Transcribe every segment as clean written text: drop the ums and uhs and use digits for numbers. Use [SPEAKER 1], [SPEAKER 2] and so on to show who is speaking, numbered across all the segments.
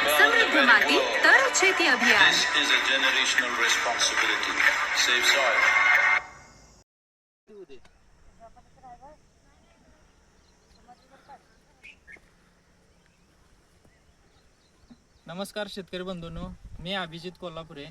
[SPEAKER 1] समृद्ध माती तर शेती अभियान.
[SPEAKER 2] This is a generational responsibility. Save soil.
[SPEAKER 3] नमस्कार शेतकरी बंधूंनो, मी अभिजित कोल्हापुरे.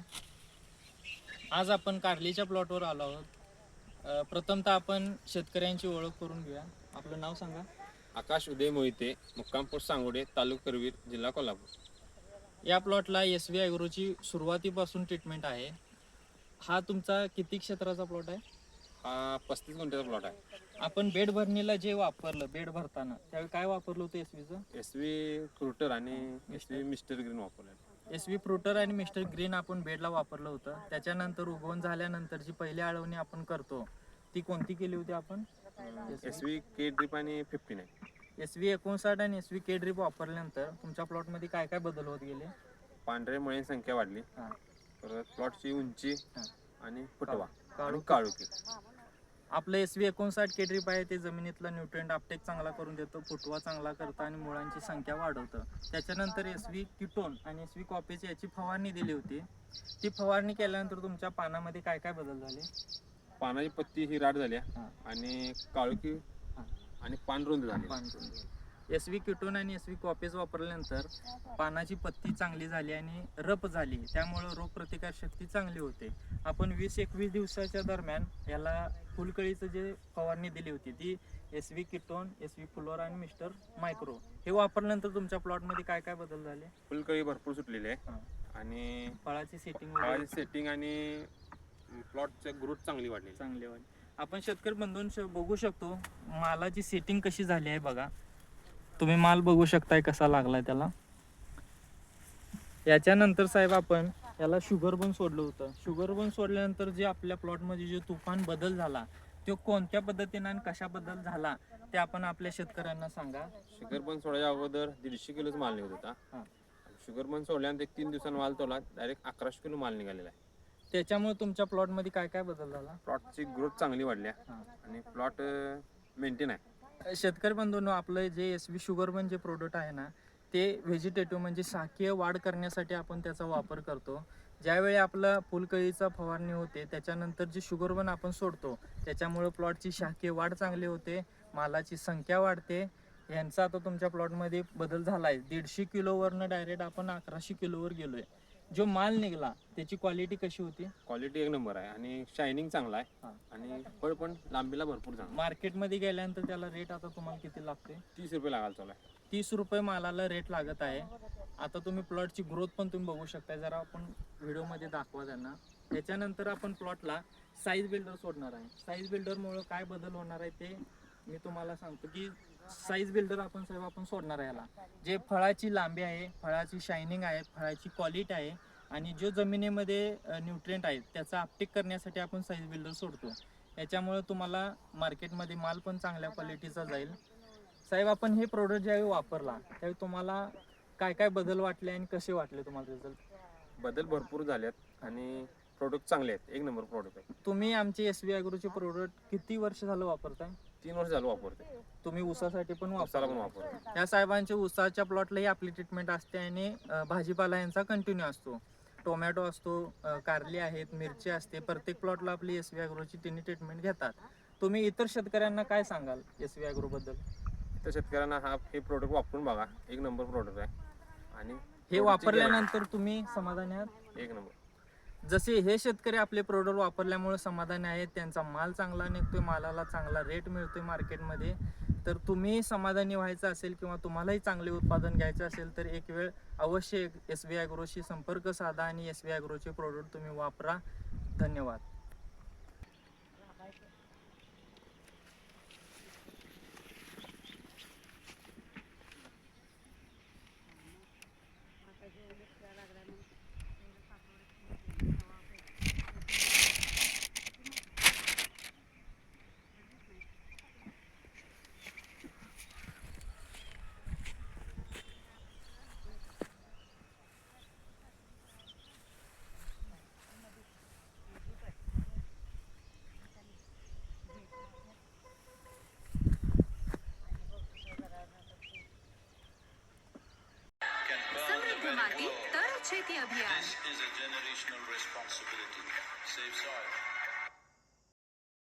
[SPEAKER 3] आज आपण कारलीच्या प्लॉटवर आलो आहोत. प्रथमतः आपण शेतकऱ्यांची ओळख करून घेऊया. आपलं नाव सांगा.
[SPEAKER 4] आकाश उदय मोहिते, मुक्काम पोस्ट सांगोडे, तालुका करवीर, जिल्हा कोल्हापूर.
[SPEAKER 3] या प्लॉटला SV ॲग्रोची सुरुवातीपासून ट्रीटमेंट आहे. हा तुमचा किती क्षेत्राचा प्लॉट आहे?
[SPEAKER 4] हा 35 गुंठ्याचा प्लॉट आहे.
[SPEAKER 3] आपण बेड भरणीला जे वापरलं, बेड भरताना त्यावेळी काय वापरलं होतं SVचं?
[SPEAKER 4] SV फ्रुटर आणि SV मिस्टर ग्रीन वापरले.
[SPEAKER 3] SV फ्रुटर आणि मिस्टर ग्रीन आपण बेडला वापरलं होतं. त्याच्यानंतर उगवून झाल्यानंतर जी पहिली आळवणी आपण करतो ती कोणती केली होती आपण?
[SPEAKER 4] SV के ड्रिप आणि 59.
[SPEAKER 3] SV 59 आणि SV के ड्रिप वापरल्यानंतर तुमच्या प्लॉटमध्ये काय काय बदल होत गेले?
[SPEAKER 4] पांढरे मळी संख्या वाढली,
[SPEAKER 3] हां,
[SPEAKER 4] परत प्लॉटची उंची
[SPEAKER 3] हां.
[SPEAKER 4] आणि फुटवा
[SPEAKER 3] काळू
[SPEAKER 4] आणि काळुकी.
[SPEAKER 3] आपलं SV 59 के ड्रिप आहे ते जमिनीतला न्यूट्रिएंट अपटेक चांगला करून देतो, फुटवा चांगला करतं आणि मुळांची संख्या वाढवतं. त्याच्यानंतर SV किटोन आणि SV कॉपेज याची फवारणी दिली होती. ती फवारणी केल्यानंतर तुमच्या पानामध्ये काय काय बदल झाले?
[SPEAKER 4] पानाची पत्ती ही राट झाली
[SPEAKER 3] हां.
[SPEAKER 4] आणि काळुकी
[SPEAKER 3] हां.
[SPEAKER 4] आणि पान रुंद झाली.
[SPEAKER 3] SV किटोन आणि SV कॉपेज वापरल्यानंतर पानाची पत्ती चांगली झाली आणि रप झाली, त्यामुळं रोगप्रतिकार शक्ती चांगली होते. आपण 20-21 दिवसाच्या दरम्यान याला फुलकळीचं जे फवारणी दिली होती ती SV किटोन, SV फ्लोरा आणि मिस्टर मायक्रो हे वापरल्यानंतर तुमच्या प्लॉटमध्ये काय काय बदल झाले?
[SPEAKER 4] फुलकळी भरपूर सुटलेली आहे
[SPEAKER 3] हां.
[SPEAKER 4] आणि
[SPEAKER 3] फळाची सेटिंग
[SPEAKER 4] सेटिंग आणि प्लॉटची ग्रोथ चांगली वाढली.
[SPEAKER 3] आपण शेतकरी बंधूंशी बघू शकतो मालाची सेटिंग कशी झाली आहे. बघा, तुम्ही माल बघू शकताय कसा लागलाय त्याला. याच्यानंतर साहेब आपण याला शुगर बन सोडलं होतं. शुगर बन सोडल्यानंतर जे आपल्या प्लॉटमध्ये जे तुफान बदल झाला तो कोणत्या पद्धतीने आणि कशा बदल झाला ते आपण आपल्या शेतकऱ्यांना सांगा.
[SPEAKER 4] शुगर बन सोडायच्या अगोदर 150 किलोच माल निघत होता.
[SPEAKER 3] हां.
[SPEAKER 4] शुगर बन सोडल्यानंतर 3 दिवसांनी माल तोला डायरेक्ट 1100 किलो माल निघालेला आहे.
[SPEAKER 3] त्याच्यामुळे तुमच्या प्लॉटमध्ये काय काय बदल झाला?
[SPEAKER 4] प्लॉटची ग्रोथ चांगली वाढली आहे
[SPEAKER 3] हां.
[SPEAKER 4] आणि प्लॉट मेंटेन आहे.
[SPEAKER 3] शेतकरी बंधूंनो, आपलं जे SV शुगरबन जे प्रोडक्ट आहे ना ते व्हेजिटेटिव्ह म्हणजे शाकीय वाढ करण्यासाठी आपण त्याचा वापर करतो. ज्यावेळी आपला फुलकळीचा फवारणी होते त्याच्यानंतर जे शुगरबन आपण सोडतो त्याच्यामुळे प्लॉटची शाकीय वाढ चांगली होते, मालाची संख्या वाढते. यांचा आता तुमच्या प्लॉटमध्ये बदल झाला आहे. 150 किलोवरनं डायरेक्ट आपण 1100 किलोवर गेलोय. जो माल निघाला त्याची क्वालिटी कशी होती?
[SPEAKER 4] क्वालिटी एक नंबर आहे आणि शायनिंग चांगला आहे.
[SPEAKER 3] हां.
[SPEAKER 4] आणि फळ पण लांबीला भरपूर चांगला.
[SPEAKER 3] मार्केटमध्ये गेल्यानंतर त्याला रेट आता तुम्हाला किती लागते?
[SPEAKER 4] 30 रुपये लागायला चालू आहे.
[SPEAKER 3] 30 रुपये मालाला रेट लागत आहे. आता तुम्ही प्लॉटची ग्रोथ पण तुम्ही बघू शकता. जरा आपण व्हिडिओमध्ये दाखवा त्यांना. त्याच्यानंतर आपण प्लॉटला साईज बिल्डर सोडणार आहे. साईज बिल्डरमुळे काय बदल होणार आहे ते मी तुम्हाला सांगतो की साईज बिल्डर आपण साहेब आपण सोडणार आहे याला. जे फळाची लांबी आहे, फळाची शायनिंग आहे, फळाची क्वालिटी आहे आणि जो जमिनीमध्ये न्यूट्रिएंट आहेत त्याचा अपटेक करण्यासाठी आपण साईज बिल्डर सोडतो. याच्यामुळे तुम्हाला मार्केटमध्ये माल पण चांगल्या क्वालिटीचा जाईल. साहेब, आपण हे प्रोडक्ट ज्यावेळी वापरला त्यावेळी तुम्हाला काय काय बदल वाटले आणि कसे वाटले तुम्हाला रिझल्ट?
[SPEAKER 4] बदल भरपूर झालेत आणि प्रोडक्ट चांगले आहेत. एक नंबर प्रोडक्ट आहे.
[SPEAKER 3] तुम्ही आमचे SV ॲग्रोचे प्रोडक्ट किती वर्ष झालं वापरताय?
[SPEAKER 4] 3 वर्ष झालं वापरते.
[SPEAKER 3] तुम्ही ऊसासाठी पण
[SPEAKER 4] उसाला पण
[SPEAKER 3] वापरता?
[SPEAKER 4] वापरते.
[SPEAKER 3] या साहेबांच्या ऊसाच्या प्लॉटलाही आपली ट्रीटमेंट असते आणि भाजीपाला यांचा कंटिन्यू असतो. टोमॅटो असतो, कारली आहेत, मिरची असते. प्रत्येक प्लॉटला आपली SV ॲग्रोची तिन्ही ट्रीटमेंट घेतात. तुम्ही इतर शेतकऱ्यांना काय सांगाल SV ॲग्रोबद्दल?
[SPEAKER 4] तर शेतकऱ्यांना हे प्रोडक्ट वापरून बघा. एक नंबर प्रोडक्ट आहे आणि
[SPEAKER 3] हे वापरल्यानंतर तुम्ही समाधानी आहात?
[SPEAKER 4] एक नंबर.
[SPEAKER 3] जसे हे शेतकरी आपले प्रोडक्ट वापरल्यामुळे समाधानी आहेत, त्यांचा माल चांगला निघतोय, मालाला चांगला रेट मिळतोय मार्केटमध्ये, तर तुम्ही समाधानी व्हायचं असेल किंवा तुम्हालाही चांगले उत्पादन घ्यायचं असेल तर एक वेळ अवश्य SV ॲग्रोशी संपर्क साधा आणि SV ॲग्रोचे प्रोडक्ट तुम्ही वापरा. धन्यवाद.
[SPEAKER 1] शुद्ध माती तर शेती अभियान.
[SPEAKER 2] This is a generational responsibility. Save soil.